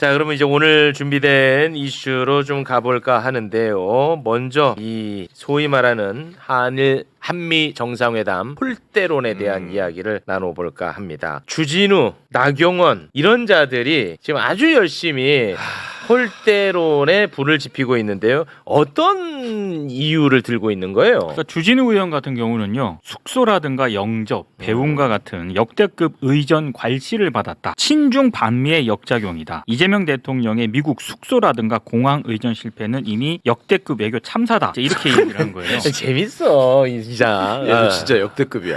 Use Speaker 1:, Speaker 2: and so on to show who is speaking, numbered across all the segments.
Speaker 1: 자, 그러면 이제 오늘 준비된 이슈로 좀 가볼까 하는데요. 먼저 이 소위 말하는 한미 정상회담 홀대론에 대한 이야기를 나눠볼까 합니다. 주진우, 나경원 이런 자들이 지금 아주 열심히 홀대론에 불을 지피고 있는데요. 어떤 이유를 들고 있는 거예요?
Speaker 2: 그러니까 주진우 의원 같은 경우는요, 숙소라든가 영접, 배움과 같은 역대급 의전 괄시를 받았다. 친중 반미의 역작용이다. 이재명 대통령의 미국 숙소라든가 공항 의전 실패는 이미 역대급 외교 참사다. 이렇게 얘기를 한 거예요.
Speaker 1: 재밌어 이 기자.
Speaker 3: 얘도 진짜 역대급이야.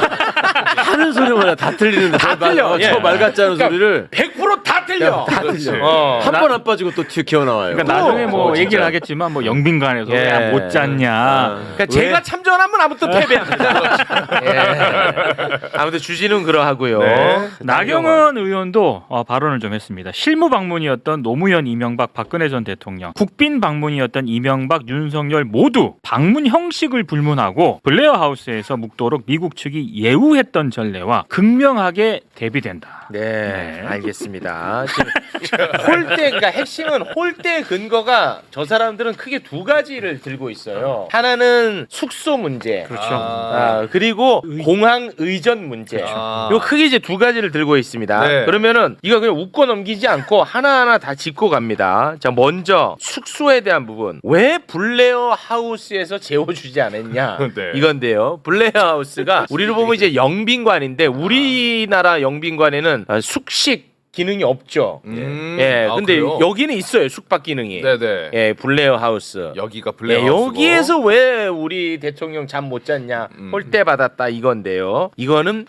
Speaker 3: 하는 소리마다 다 틀리는데
Speaker 1: 다 틀려.
Speaker 3: 저 말 같지 않은 소리를
Speaker 1: 100%다 틀려.
Speaker 3: 다 틀려. 한 번 안 빠지고 또 튀어 나와요.
Speaker 2: 그러니까 나중에 뭐 얘기를 하겠지만 뭐 영빈관에서
Speaker 1: 예.
Speaker 2: 야, 못 잤냐.
Speaker 1: 그러니까 제가 참전하면 아무튼 패배합니다. 예. 아무튼 주진우는 그러하고요.
Speaker 2: 네. 나경원 의원도 발언을 좀 했습니다. 실무 방문이었던 노무현, 이명박, 박근혜 전 대통령, 국빈 방문이었던 이명박, 윤석열 모두 방문 형식을 불문하고 블레어 하우스에서 묵도록 미국 측이 예우했던 전례와 극명하게 대비된다.
Speaker 1: 네, 알겠습니다. 그러니까 핵심은 홀대 근거가 저 사람들은 크게 두 가지를 들고 있어요. 하나는 숙소 문제,
Speaker 2: 그렇죠.
Speaker 1: 그리고 공항 의전 문제. 요 크게 이제 두 가지를 들고 있습니다.
Speaker 4: 네.
Speaker 1: 그러면은 이거 그냥 웃고 넘기지 않고 하나하나 다 짚고 갑니다. 자, 먼저 숙소에 대한 부분. 왜 블레어 하우스에서 재워주지 않았냐?
Speaker 4: 네.
Speaker 1: 이건데요. 블레어 하우스가 우리로 보면 이제 영빈관인데 우리나라 영빈관에는 숙식 기능이 없죠. 예, 근데
Speaker 4: 그래요?
Speaker 1: 여기는 있어요. 숙박 기능이.
Speaker 4: 네네.
Speaker 1: 예, 블레어 하우스.
Speaker 4: 여기가 블레어
Speaker 1: 예,
Speaker 4: 하우스고.
Speaker 1: 여기에서 왜 우리 대통령 잠 못 잤냐 홀대 받았다 이건데요. 이거는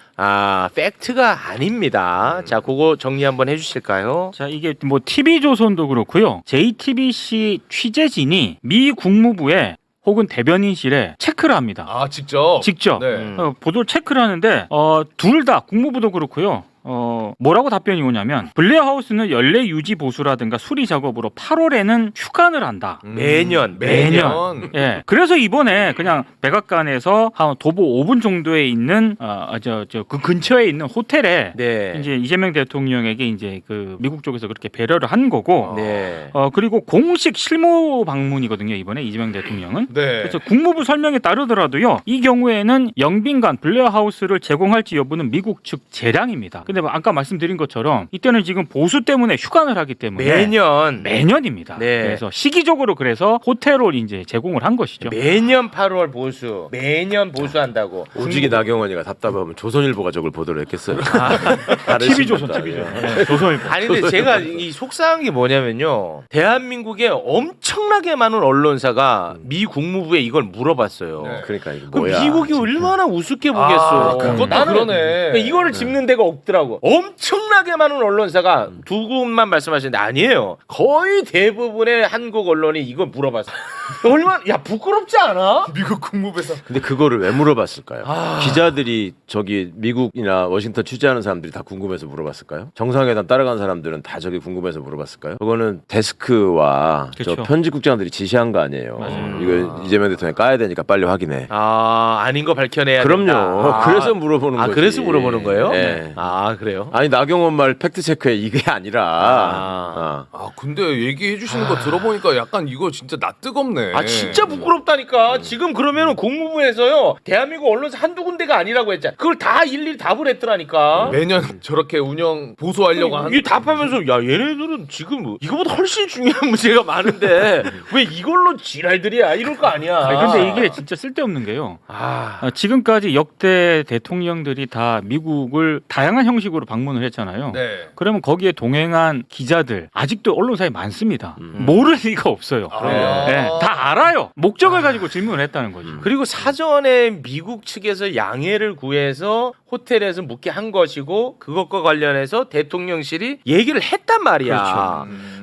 Speaker 1: 팩트가 아닙니다. 자, 그거 정리 한번 해주실까요?
Speaker 2: 자, 이게 뭐 TV조선도 그렇고요. JTBC 취재진이 미 국무부에 혹은 대변인실에 체크를 합니다.
Speaker 4: 아 직접.
Speaker 2: 직접
Speaker 4: 네.
Speaker 2: 보도를 체크를 하는데 둘 다 국무부도 그렇고요. 뭐라고 답변이 오냐면 블레어 하우스는 연례 유지 보수라든가 수리 작업으로 8월에는 휴관을 한다.
Speaker 1: 매년.
Speaker 2: 예. 그래서 이번에 그냥 백악관에서 한 도보 5분 정도에 있는 그 근처에 있는 호텔에
Speaker 1: 네.
Speaker 2: 이제 이재명 대통령에게 이제 그 미국 쪽에서 그렇게 배려를 한 거고.
Speaker 1: 네.
Speaker 2: 그리고 공식 실무 방문이거든요, 이번에 이재명 대통령은.
Speaker 4: 네.
Speaker 2: 그래서 국무부 설명에 따르더라도요, 이 경우에는 영빈관 블레어 하우스를 제공할지 여부는 미국 측 재량입니다. 근데 뭐 아까 말씀드린 것처럼 이때는 지금 보수 때문에 휴관을 하기 때문에 매년입니다.
Speaker 1: 네.
Speaker 2: 그래서 시기적으로 그래서 호텔을 이제 제공을 한 것이죠.
Speaker 1: 매년 8월 보수. 매년 보수한다고.
Speaker 3: 오직이 나경원이가 답답하면 조선일보가 저걸 보도를 했겠어요.
Speaker 2: TV조선, TV조선. 조선일보.
Speaker 1: 아니 근데 제가 이 속상한 게 뭐냐면요. 대한민국에 엄청나게 많은 언론사가 미 국무부에 이걸 물어봤어요.
Speaker 4: 네.
Speaker 3: 그러니까 이거
Speaker 1: 그럼
Speaker 3: 뭐야?
Speaker 1: 미국이 얼마나 우습게 보겠어.
Speaker 4: 그것도
Speaker 1: 나는
Speaker 4: 그러네.
Speaker 1: 그러니까 이거를 짚는 데가 없더라고. 엄청나게 많은 언론사가 두 군만 말씀하시는데 아니에요. 거의 대부분의 한국 언론이 이거 물어봤어. 얼마나 야 부끄럽지 않아?
Speaker 4: 미국 국무부에서.
Speaker 3: 근데 그거를 왜 물어봤을까요? 기자들이 저기 미국이나 워싱턴 취재하는 사람들이 다 궁금해서 물어봤을까요? 정상회담 따라간 사람들은 다 저기 궁금해서 물어봤을까요? 그거는 데스크와 저
Speaker 2: 그렇죠.
Speaker 3: 편집국장들이 지시한 거 아니에요. 이거 이재명 대통령 까야 되니까 빨리 확인해.
Speaker 1: 아닌 거 밝혀내야
Speaker 3: 그럼요.
Speaker 1: 된다.
Speaker 3: 그래서 물어보는 거지.
Speaker 1: 그래서 물어보는 거예요?
Speaker 3: 네.
Speaker 1: 그래요?
Speaker 3: 아니 나경원 말 팩트 체크해 이게 아니라.
Speaker 4: 근데 얘기해 주시는 거 들어보니까 약간 이거 진짜 낯뜨겁네.
Speaker 1: 진짜 부끄럽다니까. 지금 그러면은 국무부에서요 대한민국 언론사 한두 군데가 아니라고 했잖아. 그걸 다 일일이 답을 했더라니까.
Speaker 4: 매년 저렇게 운영 보수하려고 하는.
Speaker 1: 이 답하면서 야 얘네들은 지금 이거보다 훨씬 중요한 문제가 많은데 왜 이걸로 지랄들이야 이럴 거 아니야.
Speaker 2: 근데 이게 진짜 쓸데없는 게요. 지금까지 역대 대통령들이 다 미국을 다양한 형식으로 방문을 했잖아요.
Speaker 4: 네.
Speaker 2: 그러면 거기에 동행한 기자들 아직도 언론사에 많습니다. 모를 리가 없어요.
Speaker 4: 그래요?
Speaker 2: 네, 다 알아요. 목적을 가지고 질문을 했다는 거지.
Speaker 1: 그리고 사전에 미국 측에서 양해를 구해서 호텔에서 묵게 한 것이고 그것과 관련해서 대통령실이 얘기를 했단 말이야.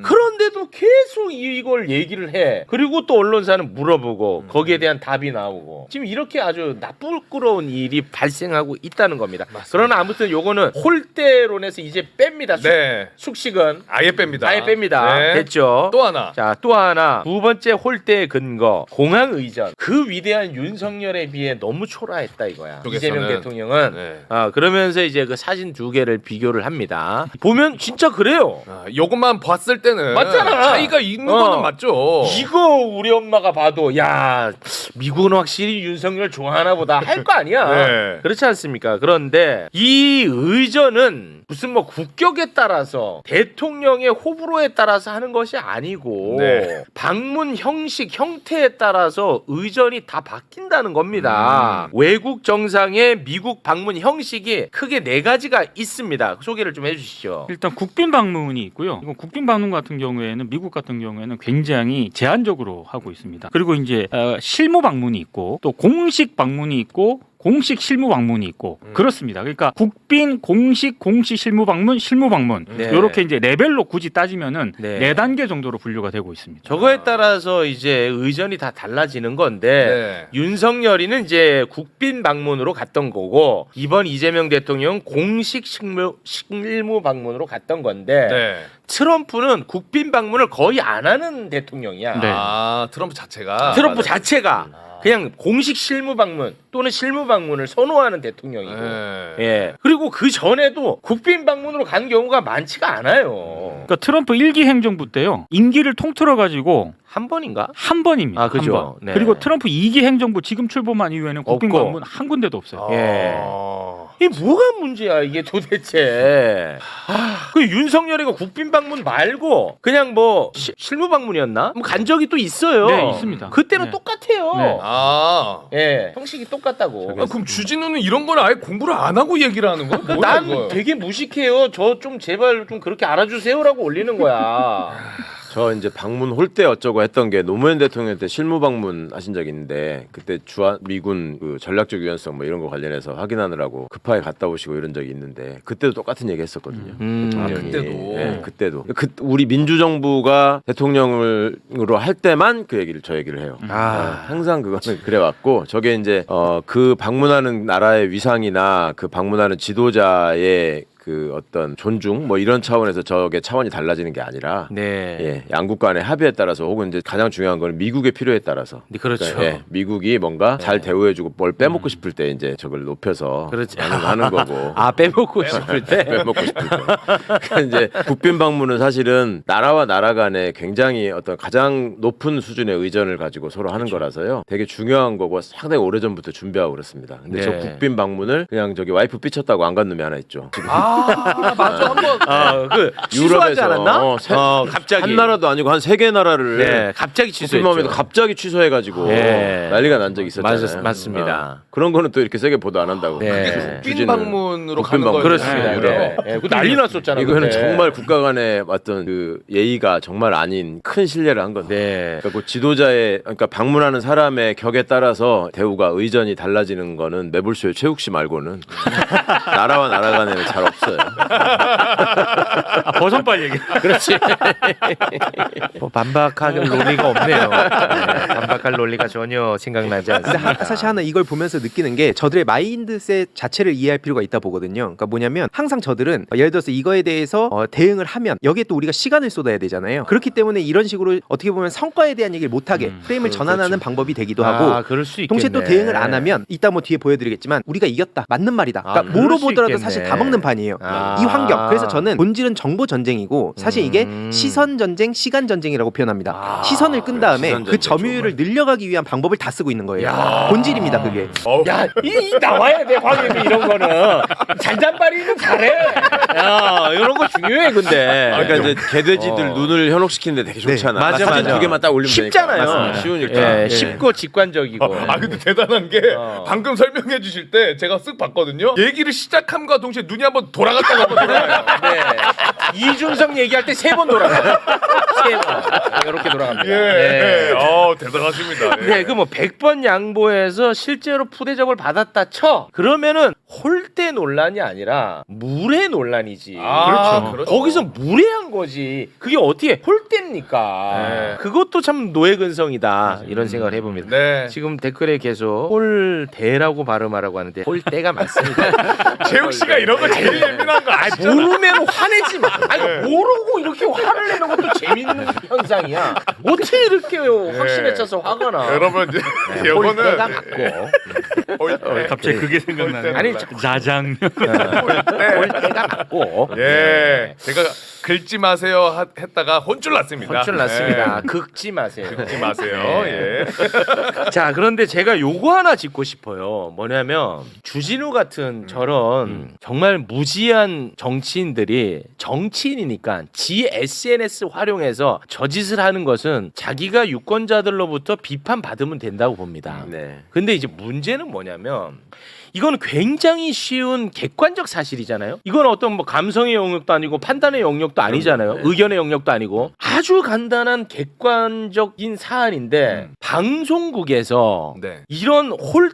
Speaker 1: 그런데도 계속 이걸 얘기를 해. 그리고 또 언론사는 물어보고 거기에 대한 답이 나오고 지금 이렇게 아주 나쁘끄러운 일이 발생하고 있다는 겁니다. 그러나 아무튼 요거는 홀대론에서 이제 뺍니다.
Speaker 4: 네.
Speaker 1: 숙식은
Speaker 4: 아예 뺍니다.
Speaker 1: 아예 뺍니다.
Speaker 4: 네.
Speaker 1: 됐죠?
Speaker 4: 또 하나.
Speaker 1: 자, 또 하나 두 번째 홀대의 근거 공항 의전. 그 위대한 윤석열에 비해 너무 초라했다 이거야.
Speaker 4: 쪽에서는.
Speaker 1: 이재명 대통령은
Speaker 4: 네.
Speaker 1: 그러면서 이제 그 사진 두 개를 비교를 합니다. 보면 진짜 그래요.
Speaker 4: 요것만 봤을 때는
Speaker 1: 맞잖아.
Speaker 4: 차이가 있는 거는 맞죠.
Speaker 1: 이거 우리 엄마가 봐도 야 미국은 확실히 윤석열 좋아하나 보다 할 거 아니야.
Speaker 4: 네.
Speaker 1: 그렇지 않습니까? 그런데 이 의전은 무슨 뭐 국격에 따라서 대통령의 호불호에 따라서 하는 것이 아니고
Speaker 4: 네.
Speaker 1: 방문 형식 형태에 따라서 의전이 다 바뀐다는 겁니다. 외국 정상의 미국 방문 형식이 크게 네 가지가 있습니다. 소개를 좀 해주시죠.
Speaker 2: 일단 국빈 방문이 있고요. 이건 국빈 방문 같은 경우에는 미국 같은 경우에는 굉장히 제한적으로 하고 있습니다. 그리고 이제 실무 방문이 있고 또 공식 방문이 있고 공식 실무 방문이 있고 그렇습니다. 그러니까 국빈 공식 실무 방문
Speaker 1: 네.
Speaker 2: 이렇게 이제 레벨로 굳이 따지면은
Speaker 1: 네.
Speaker 2: 네 단계 정도로 분류가 되고 있습니다.
Speaker 1: 저거에 따라서 이제 의전이 다 달라지는 건데
Speaker 4: 네.
Speaker 1: 윤석열이는 이제 국빈 방문으로 갔던 거고 이번 이재명 대통령 공식 실무 방문으로 갔던 건데
Speaker 4: 네.
Speaker 1: 트럼프는 국빈 방문을 거의 안 하는 대통령이야.
Speaker 2: 네.
Speaker 4: 아 트럼프 자체가.
Speaker 1: 트럼프
Speaker 4: 맞아요.
Speaker 1: 자체가 그냥 공식 실무 방문 또는 실무 방문을 선호하는 대통령이고,
Speaker 4: 네.
Speaker 1: 예. 그리고 그 전에도 국빈 방문으로 간 경우가 많지가 않아요.
Speaker 2: 그러니까 트럼프 1기 행정부 때요. 임기를 통틀어 가지고
Speaker 1: 한 번인가?
Speaker 2: 한 번입니다.
Speaker 1: 아, 그죠.
Speaker 2: 한 번.
Speaker 1: 네.
Speaker 2: 그리고 트럼프 2기 행정부 지금 출범한 이후에는 국빈
Speaker 1: 없고.
Speaker 2: 방문 한 군데도 없어요.
Speaker 1: 예.
Speaker 4: 아.
Speaker 1: 이게 뭐가 문제야 이게 도대체? 그 윤석열이가 국빈 방문 말고 그냥 뭐 실무 방문이었나? 뭐 간 적이 또 있어요.
Speaker 2: 네, 있습니다.
Speaker 1: 그때는
Speaker 2: 네.
Speaker 1: 똑같아요.
Speaker 2: 네.
Speaker 4: 아.
Speaker 1: 예, 형식이 똑같다고.
Speaker 4: 아, 그럼 주진우는 이런 걸 아예 공부를 안 하고 얘기를 하는 거야? 뭐야,
Speaker 1: 난
Speaker 4: 이거?
Speaker 1: 되게 무식해요. 저 좀 제발 좀 그렇게 알아주세요라고 올리는 거야.
Speaker 3: 저 이제 방문 홀대 어쩌고 했던 게 노무현 대통령 때 실무 방문 하신 적이 있는데 그때 주한 미군 그 전략적 유연성 뭐 이런 거 관련해서 확인하느라고 급하게 갔다 오시고 이런 적이 있는데 그때도 똑같은 얘기 했었거든요. 대통령이.
Speaker 4: 그때도?
Speaker 3: 네, 그때도. 우리 민주정부가 대통령으로 할 때만 그 얘기를 저 얘기를 해요. 항상 그거는 그래왔고 저게 이제 그 방문하는 나라의 위상이나 그 방문하는 지도자의 그 어떤 존중 뭐 이런 차원에서 저게 차원이 달라지는 게 아니라
Speaker 1: 네.
Speaker 3: 예, 양국 간의 합의에 따라서 혹은 이제 가장 중요한 건 미국의 필요에 따라서
Speaker 1: 네, 그렇죠.
Speaker 3: 그러니까, 예, 미국이 뭔가 잘 대우해주고 뭘 빼먹고 싶을 때 이제 저걸 높여서
Speaker 1: 그렇지.
Speaker 3: 하는 거고
Speaker 1: 빼먹고 싶을 때.
Speaker 3: 빼먹고 싶을 때 그러니까 이제 국빈 방문은 사실은 나라와 나라 간에 굉장히 어떤 가장 높은 수준의 의전을 가지고 서로 하는 거라서요 되게 중요한 거고 상당히 오래전부터 준비하고 그렇습니다. 근데 저
Speaker 1: 네.
Speaker 3: 국빈 방문을 그냥 저기 와이프 삐쳤다고 안 간 놈이 하나 있죠. 지금
Speaker 4: 맞아 한번.
Speaker 1: 그 취소하지 않았나? 갑자기
Speaker 3: 한 나라도 아니고 한 3개 나라를
Speaker 1: 네, 갑자기 취소했죠.
Speaker 3: 국빈방문에도 갑자기 취소해가지고
Speaker 1: 네.
Speaker 3: 난리가 난 적이 있었잖아요.
Speaker 1: 맞습니다.
Speaker 3: 그런 거는 또 이렇게 세게 보도 안 한다고.
Speaker 1: 네.
Speaker 4: 국빈 방문으로
Speaker 3: 국빈
Speaker 4: 가는
Speaker 3: 방문.
Speaker 4: 거예요.
Speaker 1: 그렇습니다.
Speaker 3: 네,
Speaker 1: 네. 네. 그 난리 났었잖아요.
Speaker 3: 이거는
Speaker 1: 그때.
Speaker 3: 정말 국가 간의 어떤 그 예의가 정말 아닌 큰 신뢰를 한 건데.
Speaker 1: 네.
Speaker 3: 그러니까 그 지도자의 그러니까 방문하는 사람의 격에 따라서 대우가 의전이 달라지는 거는 매불쇼의 최욱 씨 말고는 나라와 나라 간에는 잘 없어요.
Speaker 2: 버선발 얘기.
Speaker 1: 그렇지. 뭐 반박할 논리가 없네요. 네, 반박할 논리가 전혀 생각나지
Speaker 5: 근데
Speaker 1: 않습니다.
Speaker 5: 사실 하나 이걸 보면서 느끼는 게 저들의 마인드셋 자체를 이해할 필요가 있다 보거든요. 그러니까 뭐냐면 항상 저들은 예를 들어서 이거에 대해서 대응을 하면 여기에 또 우리가 시간을 쏟아야 되잖아요. 그렇기 때문에 이런 식으로 어떻게 보면 성과에 대한 얘기를 못하게 프레임을 전환하는 방법이 되기도 하고
Speaker 1: 그럴 수 있겠네.
Speaker 5: 동시에 또 대응을 안 하면 이따 뭐 뒤에 보여드리겠지만 우리가 이겼다 맞는 말이다. 그러니까
Speaker 1: 그럴
Speaker 5: 뭐로
Speaker 1: 수
Speaker 5: 보더라도
Speaker 1: 있겠네.
Speaker 5: 사실 다 먹는 판이에요.
Speaker 1: 아.
Speaker 5: 이 환경. 그래서 저는 본질은 정보 전쟁이고 사실 이게 시선 전쟁, 시간 전쟁이라고 표현합니다. 시선을 끈 다음에
Speaker 3: 시선
Speaker 5: 그
Speaker 3: 전쟁
Speaker 5: 점유율을 늘려가기 위한 방법을 다 쓰고 있는 거예요. 본질입니다, 그게.
Speaker 1: 야, 이 나와야 돼, 황혜미 이런 거는. 잔잔바리는 잘해. 야, 이런 거 중요해, 근데.
Speaker 3: 그러니까 이제 개돼지들 눈을 현혹시키는데 되게 좋잖아.
Speaker 1: 네. 맞아,
Speaker 3: 사진
Speaker 1: 맞아.
Speaker 3: 두 개만 딱 올리면
Speaker 1: 쉽잖아요.
Speaker 3: 되니까. 쉬우니까.
Speaker 1: 예, 쉽고 직관적이고.
Speaker 4: 아 근데 대단한 게 방금 설명해 주실 때 제가 쓱 봤거든요. 얘기를 시작함과 동시에 눈이 한번 돌아갔다가 한번 돌아가요.
Speaker 1: 네. 이준석 얘기할 때 3번 돌아가요. 이렇게 돌아갑니다.
Speaker 4: 예.
Speaker 1: 네.
Speaker 4: 대단하십니다. 예.
Speaker 1: 네, 그 뭐 100번 양보해서 실제로 푸대접을 받았다 쳐. 그러면은 홀대 논란이 아니라 무례 논란이지.
Speaker 4: 그렇죠.
Speaker 1: 거기서 무례한 거지. 그게 어떻게 홀대입니까?
Speaker 4: 네.
Speaker 1: 그것도 참 노예근성이다. 이런 생각을 해봅니다.
Speaker 4: 네.
Speaker 1: 지금 댓글에 계속 홀대라고 발음하라고 하는데 홀대가 맞습니다.
Speaker 4: 재욱 씨가 이런 거 제일 예민한 거 아시잖아.
Speaker 1: 모르면 화내지 마. 아니 모르고 이렇게 화를 내는 것도 재밌는 현상이야. 어떻게 이렇게 확신에 차서 화가 나?
Speaker 4: 여러분 이제
Speaker 1: 홀대가
Speaker 4: 이거는
Speaker 1: 맞고.
Speaker 2: 갑자기 그게 생각나네.
Speaker 1: 아니
Speaker 2: 자장.
Speaker 1: 홀대가 맞고.
Speaker 4: 예. 제가 긁지 마세요 했다가 혼쭐 났습니다.
Speaker 1: 혼쭐 났습니다. 긁지 마세요.
Speaker 4: 긁지 마세요.
Speaker 1: 네.
Speaker 4: 예.
Speaker 1: 자, 그런데 제가 요거 하나 짚고 싶어요. 뭐냐면 주진우 같은 저런 정말 무지한 정치인들이 정치인이니까 지 SNS 활용해서 저짓을 하는 것은 자기가 유권자들로부터 비판받으면 된다고 봅니다.
Speaker 3: 네.
Speaker 1: 근데 이제 문제는 뭐냐면 이건 굉장히 쉬운 객관적 사실이잖아요. 이건 어떤 뭐 감성의 영역도 아니고 판단의 영역도 아니잖아요. 의견의 영역도 아니고 아주 간단한 객관적인 사안인데 방송국에서
Speaker 4: 네.
Speaker 1: 이런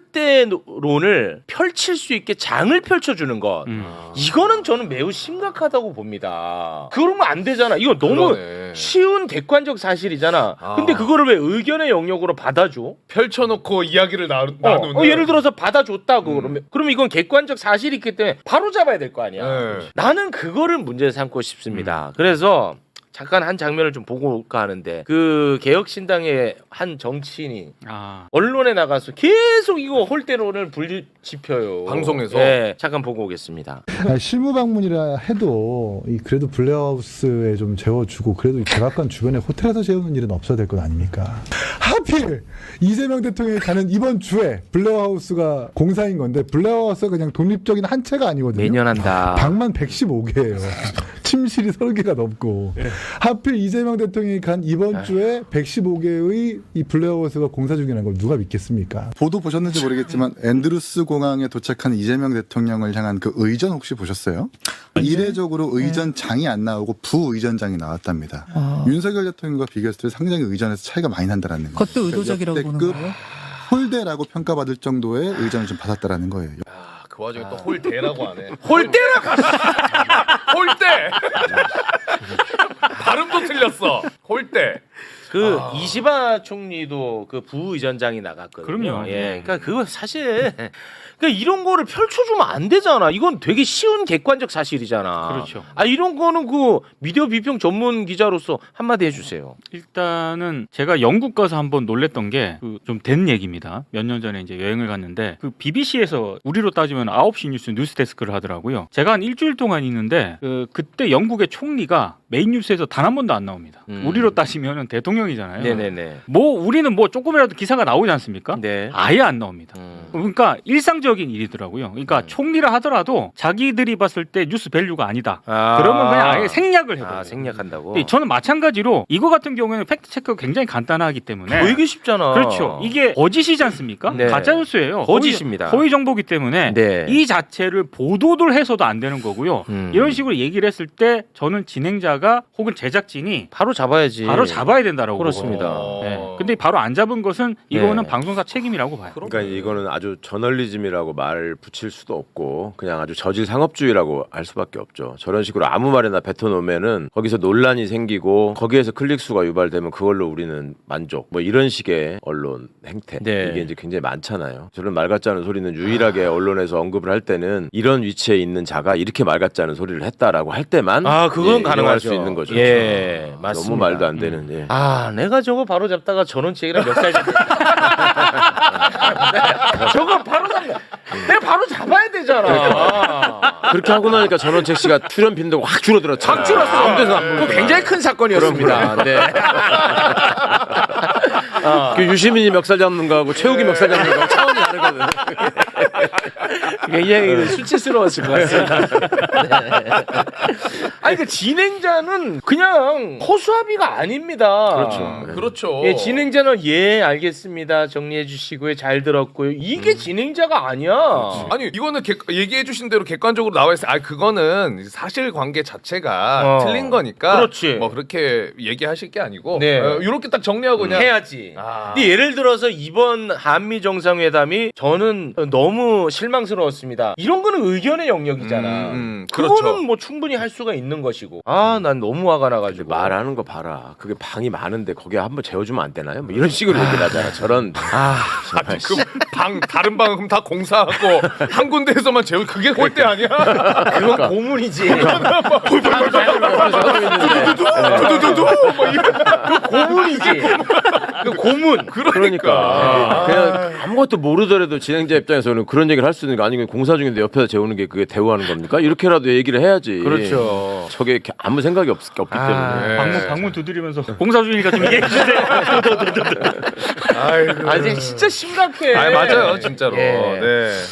Speaker 1: 홀대론을 펼칠 수 있게 장을 펼쳐주는 것 이거는 저는 매우 심각하다고 봅니다. 그러면 안 되잖아. 이거 너무
Speaker 4: 그러네.
Speaker 1: 쉬운 객관적 사실이잖아. 근데 그거를 왜 의견의 영역으로 받아줘?
Speaker 4: 펼쳐놓고 이야기를 나누는.
Speaker 1: 예를 들어서 받아줬다고 그러면 이건 객관적 사실이 있기 때문에 바로 잡아야 될 거 아니야.
Speaker 4: 네.
Speaker 1: 나는 그거를 문제 삼고 싶습니다. 그래서 잠깐 한 장면을 좀 보고 올까 하는데 그 개혁신당의 한 정치인이 언론에 나가서 계속 이거 홀대론을 불지펴요.
Speaker 4: 방송에서?
Speaker 1: 네, 잠깐 보고 오겠습니다.
Speaker 6: 실무 방문이라 해도 그래도 블레하우스에 좀 재워주고 그래도 이 백악관 주변에 호텔에서 재우는 일은 없어야 될 것 아닙니까? 하필 이재명 대통령이 가는 이번 주에 블레하우스가 공사인 건데 블레하우스가 그냥 독립적인 한 채가 아니거든요.
Speaker 1: 매년 한다.
Speaker 6: 방만 115개예요. 침실이 30개가 넘고 하필 이재명 대통령이 간 이번 주에 115개의 이 블레하우스가 공사 중이라는 걸 누가 믿겠습니까?
Speaker 7: 보도 보셨는지 모르겠지만 앤드루스 공항에 도착한 이재명 대통령을 향한 그 의전 혹시 보셨어요? 이례적으로 의전장이 안 나오고 부의전장이 나왔답니다. 윤석열 대통령과 비교했을 때 상당히 의전에서 차이가 많이 난다라는 거예요.
Speaker 8: 그것도 의도적이라고 보는
Speaker 7: 역대급
Speaker 8: 거예요?
Speaker 7: 홀대라고 평가받을 정도의 의전을 좀 받았다라는 거예요.
Speaker 4: 그 와중에 또 홀대라고 하네.
Speaker 1: 홀대라고.
Speaker 4: 홀대. 발음도 틀렸어. 홀대.
Speaker 1: 그 이시바 총리도 그 부의전장이 나갔거든요.
Speaker 2: 그럼요.
Speaker 1: 예, 그러니까 그거 사실 그러니까 이런 거를 펼쳐주면 안 되잖아. 이건 되게 쉬운 객관적 사실이잖아.
Speaker 2: 그렇죠.
Speaker 1: 아 이런 거는 그 미디어 비평 전문 기자로서 한마디 해주세요.
Speaker 2: 일단은 제가 영국 가서 한번 놀랬던 게 그 좀 된 얘기입니다. 몇 년 전에 이제 여행을 갔는데 그 BBC에서 우리로 따지면 9시 뉴스 데스크를 하더라고요. 제가 한 일주일 동안 있는데 그때 영국의 총리가 메인 뉴스에서 단 한 번도 안 나옵니다. 우리로 따지면은 대통령이잖아요.
Speaker 1: 네네네.
Speaker 2: 뭐 우리는 뭐 조금이라도 기사가 나오지 않습니까?
Speaker 1: 네.
Speaker 2: 아예 안 나옵니다. 그러니까 일상적인 일이더라고요. 그러니까 총리라 하더라도 자기들이 봤을 때 뉴스 밸류가 아니다. 그러면 그냥 아예 생략을 해버려요.
Speaker 1: 생략한다고.
Speaker 2: 근데 저는 마찬가지로 이거 같은 경우에는 팩트 체크가 굉장히 간단하기 때문에
Speaker 1: 되게 쉽잖아.
Speaker 2: 그렇죠. 이게 거짓이지 않습니까?
Speaker 1: 네.
Speaker 2: 가짜 뉴스예요.
Speaker 1: 거짓입니다.
Speaker 2: 허위 정보기 때문에
Speaker 1: 네.
Speaker 2: 이 자체를 보도를 해서도 안 되는 거고요. 이런 식으로 얘기를 했을 때 저는 진행자가 혹은 제작진이
Speaker 1: 바로 잡아야지.
Speaker 2: 바로 잡아야 된다라고
Speaker 1: 그렇습니다.
Speaker 2: 보거든요. 네. 근데 바로 안 잡은 것은 이거는
Speaker 1: 네.
Speaker 2: 방송사 책임이라고 봐요.
Speaker 3: 그러니까 이거는 아주 저널리즘이라고 말 붙일 수도 없고 그냥 아주 저질 상업주의라고 할 수밖에 없죠. 저런 식으로 아무 말이나 뱉어놓으면은 거기서 논란이 생기고 거기에서 클릭수가 유발되면 그걸로 우리는 만족. 뭐 이런 식의 언론 행태
Speaker 1: 네.
Speaker 3: 이게 이제 굉장히 많잖아요. 저런 말 같지 않은 소리는 유일하게 언론에서 언급을 할 때는 이런 위치에 있는 자가 이렇게 말 같지 않은 소리를 했다라고 할 때만
Speaker 1: 그건
Speaker 3: 인정할
Speaker 1: 가능하죠.
Speaker 3: 수 있는 거죠.
Speaker 1: 예, 맞습니다.
Speaker 3: 너무 말도 안 되는. 예.
Speaker 1: 내가 저거 바로 잡다가 전원책이랑 몇 살 저거 바로 잡다. 내가 바로 잡아야 되잖아.
Speaker 3: 그렇게 하고 나니까 전원책 씨가 출연 빈도가 확 줄어들었죠.
Speaker 1: 확 줄었어.
Speaker 3: 아무 데서 안
Speaker 1: 그거 굉장히 큰 사건이었습니다. 네.
Speaker 3: 그 유시민이 멱살 잡는 거하고 최욱이 멱살 잡는 거하고 차원이 다르거든.
Speaker 1: 굉장히 수치스러웠을 것 같습니다. 네. 아니 그 진행자는 그냥 허수아비가 아닙니다.
Speaker 3: 그렇죠. 네.
Speaker 4: 그렇죠.
Speaker 1: 예, 진행자는 예 알겠습니다. 정리해 주시고요. 잘 들었고요. 이게 진행자가 아니야.
Speaker 4: 아니 이거는 얘기해 주신 대로 객관적으로 나와 있어요. 아 그거는 사실관계 자체가 틀린 거니까
Speaker 1: 그렇지.
Speaker 4: 뭐 그렇게 얘기하실 게 아니고
Speaker 1: 네.
Speaker 4: 이렇게 딱 정리하고 그냥
Speaker 1: 해야지.
Speaker 4: 아.
Speaker 1: 근데 예를 들어서 이번 한미 정상회담이 저는 너무 실망스러웠습니다. 이런 거는 의견의 영역이잖아.
Speaker 4: 그렇죠.
Speaker 1: 그거는 뭐 충분히 할 수가 있는 것이고. 아, 난 너무 화가 나가지고.
Speaker 3: 말하는 거 봐라. 그게 방이 많은데 거기에 한번 재워주면 안 되나요? 뭐 이런 식으로 얘기를 하잖아. 저런 정말
Speaker 4: 방 다른 방은 그럼 다 공사하고 한 군데에서만 재우 그게 꼴대 아니야?
Speaker 1: 그건 고문이지.
Speaker 4: 두두두두 뭐 이런.
Speaker 1: 고문이지. 그 고문.
Speaker 3: 그러니까 그냥 아무것도 모르더라도 진행자 입장에서는 그런 얘기를 할 수 있는 게 아니고 공사 중인데 옆에서 재우는 게 그게 대우하는 겁니까? 이렇게라도 얘기를 해야지.
Speaker 1: 그렇죠.
Speaker 3: 저게 아무 생각이 없기 때문에.
Speaker 2: 방문 두드리면서 공사 중이니까 좀 얘기해 주세요.
Speaker 1: 아, 진짜 심각해.
Speaker 4: 아 맞아요 진짜로.
Speaker 1: 예.
Speaker 4: 네.